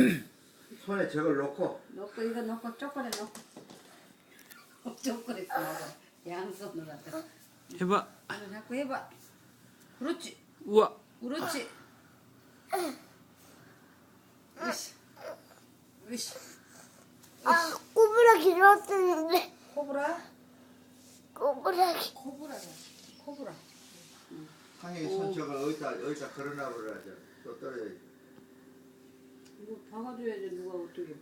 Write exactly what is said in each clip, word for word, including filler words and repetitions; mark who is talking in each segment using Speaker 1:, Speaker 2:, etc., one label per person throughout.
Speaker 1: 손에 저걸 놓고
Speaker 2: 넣고 이거 넣고 초콜릿 넣고 초콜릿 먹어. 양손으로 갖다.
Speaker 3: 해봐.
Speaker 2: 이거 자꾸 해봐. 그렇지.
Speaker 3: 우와.
Speaker 2: 그렇지. 으쌰. 으쌰.
Speaker 4: 아, 꼬부라기 좋았었는데.
Speaker 2: 코브라?
Speaker 4: 꼬부라기.
Speaker 2: 코브라가. 코브라.
Speaker 1: 상혁이 손 저걸 어디다 어디다 걸어놔 버려야죠. 또 떨어져.
Speaker 2: 이거 박아줘야지 누가 어떻게.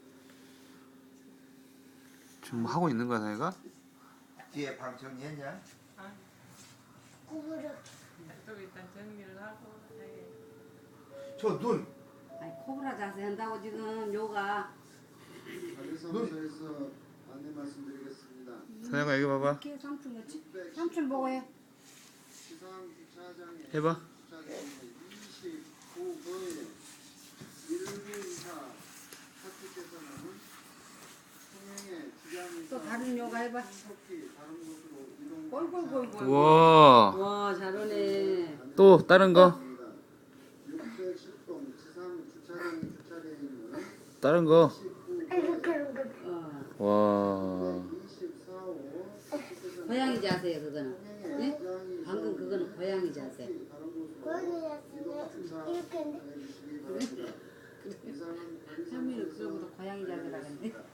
Speaker 3: 지금 하고 있는 거야, 사이가?
Speaker 1: 뒤에 방 정리했냐?
Speaker 4: 꼬부라기.
Speaker 5: 또 일단 정리를 하고 해.
Speaker 1: 저 눈.
Speaker 2: 아니 코브라 자세 한다고 지금 요가.
Speaker 6: 관리사무소에서 안내 말씀드리겠습니다.
Speaker 3: 사이가 여기 봐봐.
Speaker 2: 이렇게 삼촌 같이. 삼촌 보고 해.
Speaker 6: 시상 주차장에
Speaker 3: 해봐.
Speaker 6: 주차장에 이십구 번에 일루이사 학주께서는 통행에 지장이
Speaker 2: 또 다른 요가 해봐.
Speaker 6: 속히 다른 곳으로 이동.
Speaker 2: 꼴꼴꼴꼴.
Speaker 3: 우와.
Speaker 2: 와 잘하네.
Speaker 3: 또 다른 거.
Speaker 6: 육백십 동 지상 주차장에 주차되어 있는
Speaker 3: 다른 거.
Speaker 4: 이렇게 하는 거.
Speaker 2: 어.
Speaker 3: 와.
Speaker 6: 이십사 호
Speaker 2: 고양이 자세요 그거는. 네? 방금 그거는 고양이 자세.
Speaker 4: 고양이 자세는 이렇게 하는데.
Speaker 2: 현미는 그거보다 고양이 자세라는데.